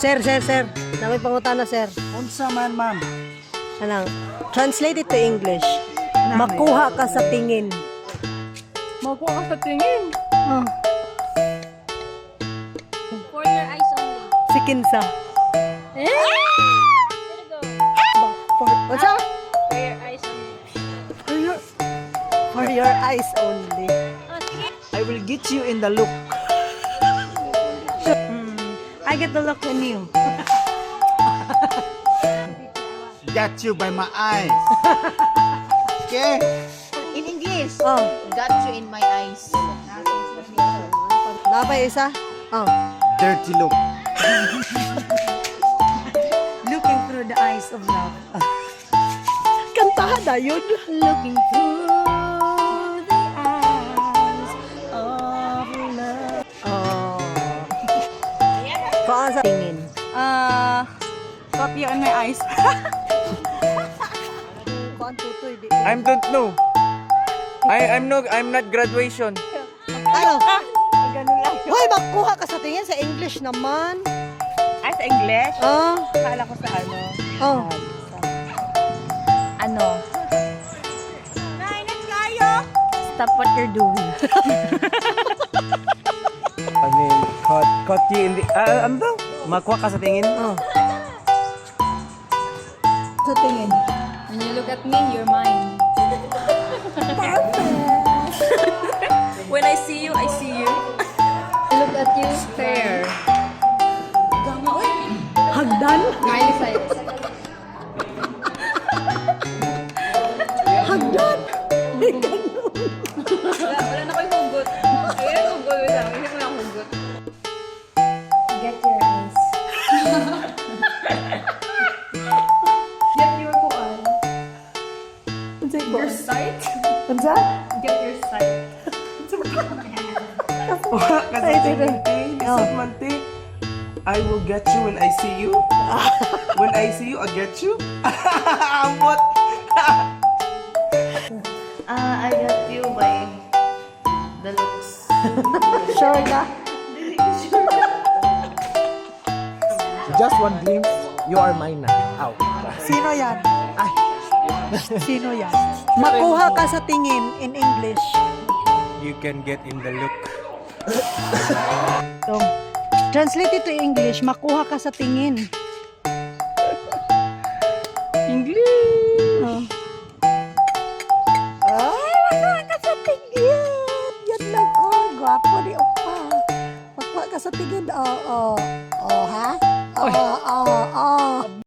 Sir. Namay pangutana, sir. Unsa man, ma'am? Anang, translate it to English. Makuha ka sa tingin. Makuha ka sa tingin. For your eyes only. Si Kinsa. There you go. What's up? For your eyes only. For your eyes only. Oh, sige. I will get you in the look. I get the look on you. Got you by my eyes. Okay? In English, Oh, got you in my eyes. napay isa? Oh. Dirty look. Looking through the eyes of love. Kantahan na yun. Looking through the eyes of love. Oh. Kaan sa tingin. Copy on my eyes. Kaan tutoy. Di. I don't know. I'm not graduation. Ano? Ganun lang. Hoy, makuha ka sa tingin sa English naman. Ay, sa English? Oh. Akala ko sa ano. Oh. Ano? Stop what you're doing. I mean, caught you in the... ano daw? Makuha ka sa tingin? Oh. Sa tingin. When you look at me, you're mine. When I see you, I see you. Look at you, stare. Hagdan? Miley Cyrus. Hagdan? Wala na ko yung hugot. Ayun, hugot lang. Hindi ko lang hugot. Get your eyes. Get your kuan. Your sight. Ansa? Get your sight. Makuha ka sa tingin. Oh. Mante. I will get you when I see you. When I see you, I'll get you. Ambot. I got you by the looks. Sure ka? Just one glimpse, you are mine na. Out. Sino yan? Ay. Sino yan? Makuha ka sa tingin in English. You can get in the look. So, translate it to English. Makuha ka sa tingin. English. Oh. Ay, makuha ka sa tingin. Yan lang. Oh, gwapo ni Opa. Makuha ka sa tingin. Oh, ha?